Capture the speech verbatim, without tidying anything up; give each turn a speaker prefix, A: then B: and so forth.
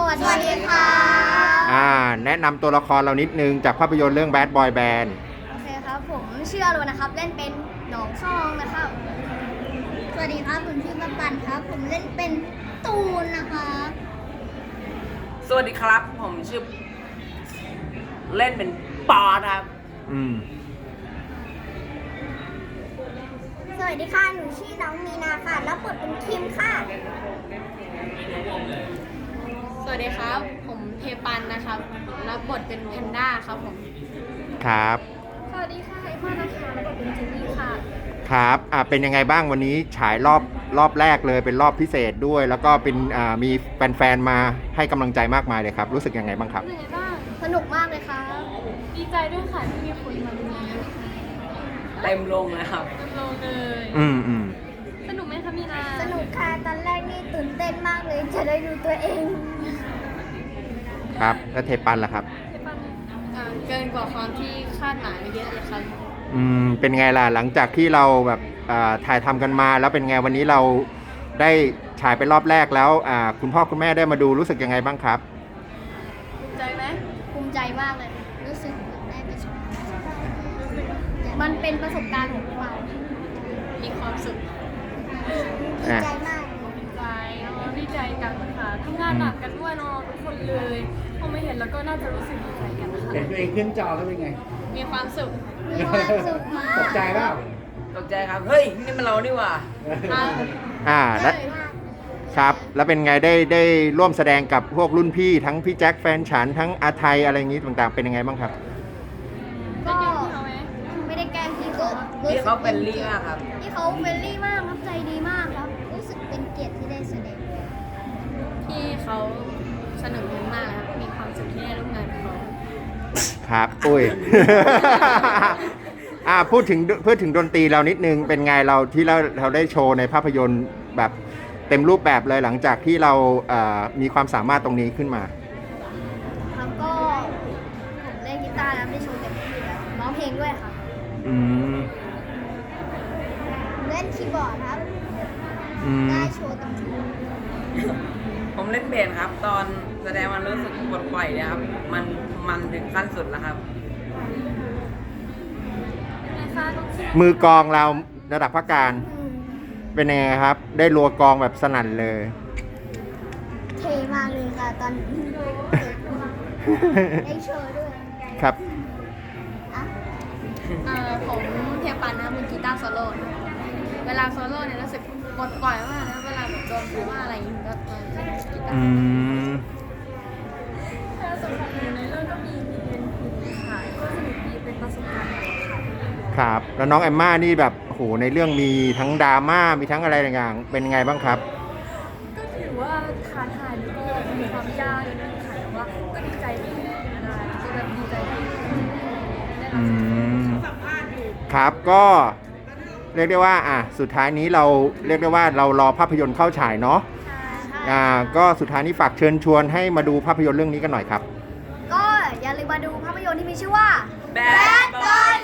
A: วัสดีค่ะ
B: อ่าแนะนำตัวละครเรานิดนึงจากภาพยนตร์เรื่อง Bad Boy Band
A: โอเคครับผมชื่ออรุณนะครับเล่นเป็นหนองซองนะครับสวัสดีครับผมชื่อปันปันครับผมเล่นเป็นตูนนะครับ
C: สวัสดีครับผมชื่อเล่นเป็นปอครับ
B: อืม
A: สวัสดีค่ะหนูชื่อน้องมีนาค่ะรับบทเป็นคิมค่ะ
D: สวัสดีครับผมเทปันนะครับรับบทเป็นแพนด้าครับผม
B: ครับ
D: สวัสดีค่ะไอพ่อนะคะรับบทเป็นจินนี่ค่ะ
B: ครับอ่าเป็นยังไงบ้างวันนี้ฉายรอบรอบแรกเลยเป็นรอบพิเศษด้วยแล้วก็เป็นอ่ามีแฟนๆมาให้กำลังใจมากมายเลยครับรู้สึกยังไงบ้างครับ
D: เป็นยังไงบ้าง
A: สนุกมากเลยค่ะ
D: ดีใจด้วยค่ะที่มีคนมาดู
C: เต็มลงเลยครับ
D: เต็มลงเลย
B: อืมอืม
D: สนุกไหมคะมีนา
A: สนุกค่ะตอนแรกนี่ตื่นเต้นมากเลยจะได้ดูตัวเอง
B: ครับแล้วเทปันล่ะครับ
D: เทปันอ่าเกินกว่าความที่คาดหมายไปเยอะเลยครับ
B: อืมเป็นไงล่ะหลังจากที่เราแบบอ่าถ่ายทำกันมาแล้วเป็นไงวันนี้เราได้ฉายไปรอบแรกแล้วอ่าคุณพ่อคุณแม่ได้มาดูรู้สึกยังไงบ้างครับ
D: ภูมิใจไหม
A: ภูมิใจมากเลยรู้สึกได้ไปชมมันเป็นประสบการณ์ของเรา
D: มีความสุข
A: ดีใจมาก
D: ดีใจดีใจกันค่ะทำงานหนักกันด้วยเนาะทุกคนเลยพอไม่เห็นแล้วก็น่าจะรู้สึกดีใจกันนะคะ
E: เห็นตัวเองขึ้นจอแล้วเป็นไง
D: มีความสุข
A: มีความสุขมาก
E: ตกใจเปล่า
C: ตกใจครับเฮ้ยนี่มันเรานี่หว่า
B: อ่าแล้วครับแล้วเป็นไงได้ได้ร่วมแสดงกับพวกรุ่นพี่ทั้งพี่แจ็คแฟนฉันทั้งอาไทยอะไรอย่างนี้ต่างๆเป็นยังไงบ้างครับ
A: ก็ไม่ได้แกล้งพี่ก็
C: พี่เขาเป็นลี่มากครับ
A: พี่เขาเฟรนลี่มากครับใจดีมากครับรู้สึกเป็นเกียรติที่ได้แสดง
D: ที่เขาสนุกมากครับมีความสุขที่ได้ร่วมงานกับเขา
B: ครับอุ้ย อ่าพูดถึงพูดถึงดนตรีเรานิดนึงเป็นไงเราที่เราเราได้โชว์ในภาพยนตร์แบบเต็มรูปแบบเลยหลังจากที่เราเอ่อมีความสามารถตรงนี้ขึ้นมา
A: ครับก็ผมเล่นกีตาร์แล้วได้โชว์เต็มที่แล้วร้องเพลงด้วยค่ะ
B: อืม
A: เล่นคีย์บอร์ดครับได้โชว์เต็มที่
C: ผมเล่นเบสครับตอนแสดงมันรู้สึกปลดปล่อยเลยครับมันมันถึงขั้นสุดแล้วครับ
B: มือกลองเราระดับภาคการเป็นยังไงครับได้รัวกลองแบบสนั่นเลย
A: เท่มากเลยค่ะตอนได้โชว์ด้วย
B: ครับ
D: เอ่อผมเทียปันนะมือกีตาร์โซโล่เวลาโซโล่เนี่ยรู้สึกปลดปล่อยมากนะเวลาแบบโดนพูดว่าอะไรอย่างเงี้ยก็เล่นกีตาร์
B: อืม
D: ถ้าสำคัญในเรื่องก็มีมีเรียนครูค่ะก็สนุกดีเป็นประสบการณ์
B: ครับแล้วน้องแอมม่านี่แบบโหในเรื่องมีทั้งดราม่ามีทั้งอะไรต่างๆเป็นไงบ้างครับ
D: ก็ถือว่าท้าทายแล้วก็มีความยากนิดนึงค่ะแต่ว่าก็ดีใจที่ได้ก็แบบดีใจที่ได้รับ
B: ครับก็เรียกได้ว่าอ่ะสุดท้ายนี้เราเรียกได้ว่าเรารอภาพยนตร์เข้าฉายเนาะอ่าก็สุดท้ายนี้ฝากเชิญชวนให้มาดูภาพยนตร์เรื่องนี้กันหน่อยครับ
A: ก็อย่าลืมมาดูภาพยนตร์ที่มีชื่อว่า
C: Bad Boy